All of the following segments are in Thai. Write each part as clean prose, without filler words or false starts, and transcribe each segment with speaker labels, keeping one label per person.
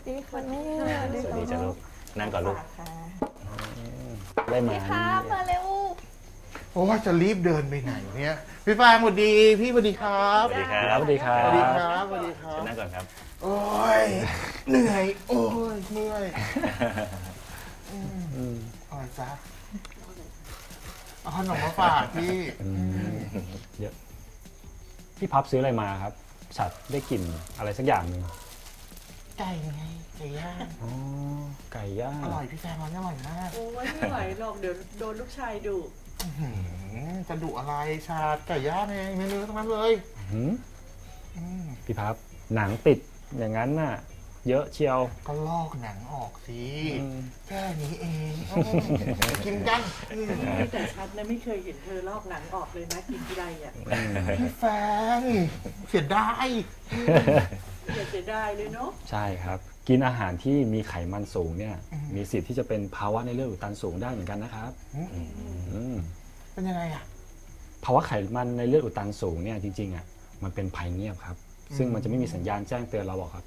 Speaker 1: ดีค่ะแม่สวัสดี
Speaker 2: สวัสดีจ้ะลูกนั่งก่อนลูก
Speaker 1: ค่ะ
Speaker 2: ได้มา
Speaker 1: พี่ครับมาเร็ว
Speaker 3: โอ้ว่าจะรีบเดินไปไหนเนี่ยพี่ฟางสวัสดีพี่สวัสดีครับ
Speaker 2: สวัสดีครับ
Speaker 3: สวัสดีครับสวัสดีครั
Speaker 2: เชิญ
Speaker 3: บ
Speaker 2: นั่งก่อนครับ
Speaker 3: โอ้ยเหนื่อยโอ้ยเมื่อยอะไรจ๊ะเอาขนมมาฝากพี่
Speaker 4: เยอะพี่พับซื้ออะไรมาครับฉัดได้กลิ่นอะไรสักอย่างหนึ่ง
Speaker 3: ไก่ไงไก่ย่าง
Speaker 4: อ๋อไก่ย่าง
Speaker 3: อร่อยพี่แฟนมันอร่อยมาก
Speaker 5: โอ้ยไม่ไหวหรอกเดี๋ยวโดนลูกชายดุ
Speaker 3: จะดุอะไรชาไก่ย่างเองเมนูทั้งนั้นเลย
Speaker 4: หืมพี่พับหนังติดอย่างนั้นน่ะ เยอะเชียว
Speaker 3: ก็ลอกหนังออกสิ
Speaker 4: อืม
Speaker 3: แค่นี้เองไปกินกัน
Speaker 5: แต่ชัดนะไม่เคยเห็นเธอลอกหนังออกเลยนะกินทีไรอ่ะ
Speaker 3: พี่แฟนเสียดาย
Speaker 5: อย่าเสียดายเลยเนาะ
Speaker 4: ใช่ครับ กินอาหารที่มีไขมันสูงเนี่ยมีสิทธิ์ที่จะเป็นภาวะในเลือดอุดตันสูงได้เหมือนกันนะครับอืม
Speaker 3: เป็นยังไงอ่ะ
Speaker 4: ภาวะไขมันในเลือดอุดตันสูงเนี่ยจริงๆอ่ะมันเป็นภัยเงียบครับ ซึ่งมันจะไม่มีสัญญาณแจ้งเตือนเราหรอกครับ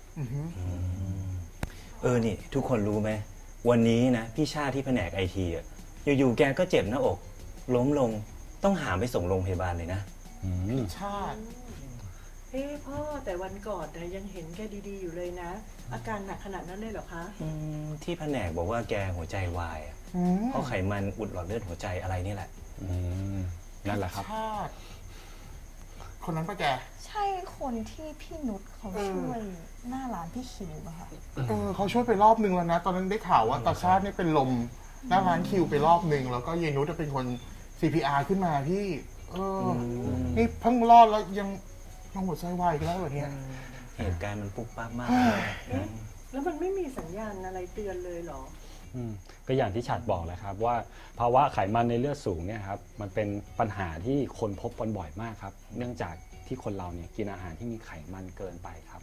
Speaker 2: นี่ทุกคนรู้ไหมวันนี้นะพี่ชาติที่แผนกไอทีอ่ะอยู่ๆแกก็เจ็บหน้าอก ล้มลงต้องหามไปส่งโรงพยาบาลเลยนะ
Speaker 3: ชาติ
Speaker 5: เฮ้พ่อแต่วันก่อนนะยังเห็นแกดีๆอยู่เลยนะ อาการหนักขนาดนั้นเลยเหรอคะ
Speaker 2: ที่แผนกบอกว่าแกหัวใจวายอะเพราะไขมันอุดหลอดเลือดหัวใจอะไรนี่แหละ
Speaker 4: นั่นแหละครับ
Speaker 3: ชาติ คนนั้นปะแก
Speaker 1: ใช่คนที่พี่นุชเขาช่วยหน้าร้านพี่คิวป่ะคะ
Speaker 3: เขาช่วยไปรอบนึงแล้วนะ ตอนนั้นได้ข่าวว่าตาชาติเนี่ยเป็นลมหน้าร้านคิวไปรอบนึง แล้วก็เยนุชจะเป็นคน CPR ขึ้นมาพี่ นี่เพิ่งรอดแล้วยังหัวใจวายอีกแล้วเหรอเนี่ย
Speaker 2: เหตุการณ์มันปุ๊บปั๊บมากเลย
Speaker 5: แล้วมันไม่มีสัญญาณอะไรเตือนเลยเหรอ
Speaker 4: ก็อย่างที่ฉัดบอกแหละครับว่าภาวะไขมันในเลือดสูงเนี่ยครับมันเป็นปัญหาที่คนพบกันบ่อยมากครับ เนื่องจากที่คนเราเนี่ยกินอาหารที่มีไขมันเกินไปครับ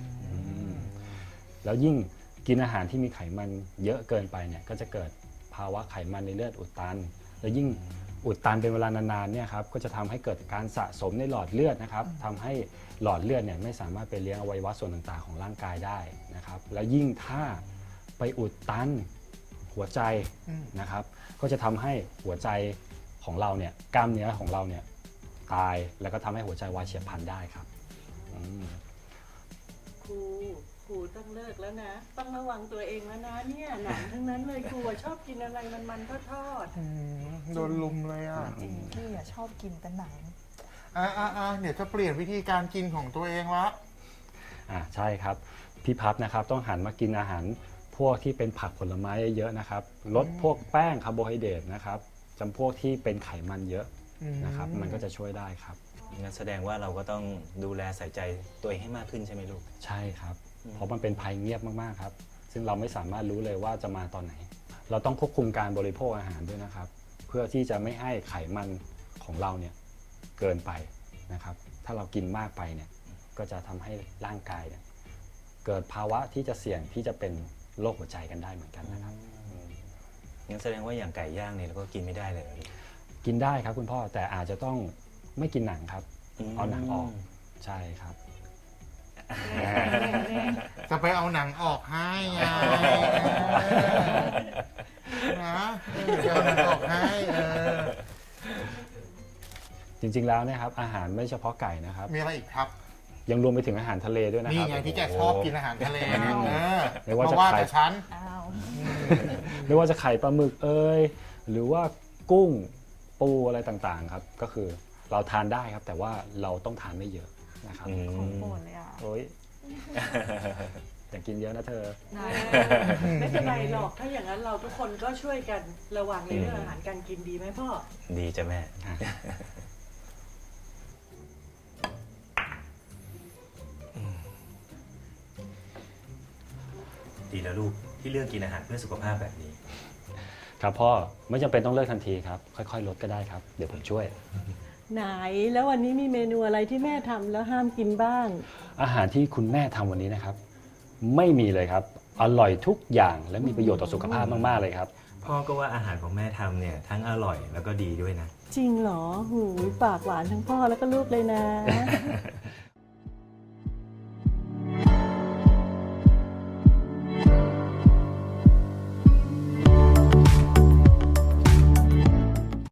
Speaker 4: แล้วยิ่งกินอาหารที่มีไขมันเยอะเกินไปเนี่ยก็จะเกิดภาวะไขมันในเลือดอุดตัน แล้วยิ่งอุดตันเป็นเวลานานๆเนี่ยครับก็จะทำให้เกิดการสะสมในหลอดเลือดนะครับทำให้หลอดเลือดเนี่ยไม่สามารถไปเลี้ยงอวัยวะส่วนต่างๆของร่างกายได้นะครับแล้วยิ่งถ้าไปอุดตันหัวใจนะครับก็จะทำให้หัวใจของเราเนี่ยกล้ามเนื้อของเราเนี่ยตายแล้วก็ทำให้หัวใจวายเฉียบพลันได้ครับ
Speaker 5: ครูต้องเลิกแล้วนะ ต้องระวังตัวเองแล้วนะเนี่ยหนังทั้งนั้นเลยครูอะชอบกินอะไรมันๆทอด
Speaker 3: โดนลุมเลยอ่ะ
Speaker 1: จริงพี่อะชอบกินแต่หนัง
Speaker 3: เดี๋ยวจะเปลี่ยนวิธีการกินของตัวเองละ
Speaker 4: ใช่ครับพี่พับนะครับต้องหันมากินอาหารพวกที่เป็นผักผลไม้เยอะๆนะครับลดพวกแป้งคาร์โบไฮเดรตนะครับจำพวกที่เป็นไขมันเยอะนะครับมันก็จะช่วยได้ครับ
Speaker 2: งั้นแสดงว่าเราก็ต้องดูแลใส่ใจตัวเองให้มากขึ้นใช่ไหมลูก
Speaker 4: ใช่ครับเพราะมันเป็นภัยเงียบมากๆครับซึ่งเราไม่สามารถรู้เลยว่าจะมาตอนไหน เราต้องควบคุมการบริโภคอาหารด้วยนะครับ เพื่อที่จะไม่ให้ไขมันของเราเนี่ยเกินไปนะครับถ้าเรากินมากไปเนี่ยก็จะทำให้ร่างกายเนี่ยเกิดภาวะที่จะเสี่ยงที่จะเป็นโรคหัวใจกันได้เหมือนกันนะครับ
Speaker 2: งั้นแสดงว่าอย่างไก่ย่างเนี่ยเราก็กินไม่ได้เลยเหรอลูก
Speaker 4: กินได้ครับคุณพ่อแต่อาจจะต้องไม่กินหนังครับ เอาหนังออกใช่ครับ
Speaker 3: จะไปเอาหนังออกให้ไงนะจะเอาหนังออกให้
Speaker 4: จริงๆแล้วนะครับอาหารไม่เฉพาะไก่นะครับ
Speaker 3: มีอะไรอีกครับ
Speaker 4: ยังรวมไปถึงอาหารทะเลด้วยนะค
Speaker 3: นี่
Speaker 4: รับ
Speaker 3: ไงที่แกชอบกินอาหารทะเลนะ
Speaker 4: ไม่ว่า
Speaker 3: เพ
Speaker 4: จะ
Speaker 3: ราะว่า
Speaker 4: ไข่
Speaker 3: แต่ฉัน
Speaker 1: อ้าว
Speaker 4: ไม่ว่าจะไข่ปลาหมึกเอ่ยหรือว่ากุ้งปูอะไรต่างๆครับก็คือเราทานได้ครับแต่ว่าเราต้องทานไม่เยอะนะครับ
Speaker 1: ของโปรดเลยอ่ะ
Speaker 4: โอ้ยอย่ากินเยอะนะเธอ
Speaker 5: ไม่เป็นไรหรอกถ้าอย่างนั้นเราทุกคนก็ช่วยกันระวังในเรื่องอาหารการกินดีไหมพ่อ
Speaker 2: ดีจ้ะแม่ ดีแล้วลูกที่เลือกกินอาหารเพื่อสุขภาพแบบนี้
Speaker 4: ครับพ่อไม่จำเป็นต้องเลิกทันทีครับค่อยๆลดก็ได้ครับเดี๋ยวผมช่วย
Speaker 5: ไหนแล้ววันนี้มีเมนูอะไรที่แม่ทำแล้วห้ามกินบ้าง
Speaker 4: อาหารที่คุณแม่ทำวันนี้นะครับ ไม่มีเลยครับอร่อยทุกอย่างและมีประโยชน์ต่อสุขภาพมากๆเลยครับ
Speaker 2: พ่อก็ว่าอาหารของแม่ทำเนี่ยทั้งอร่อยแล้วก็ดีด้วยนะ
Speaker 5: จริงเหรอหูยปากหวานทั้งพ่อแล้วก็ลูกเลยนะ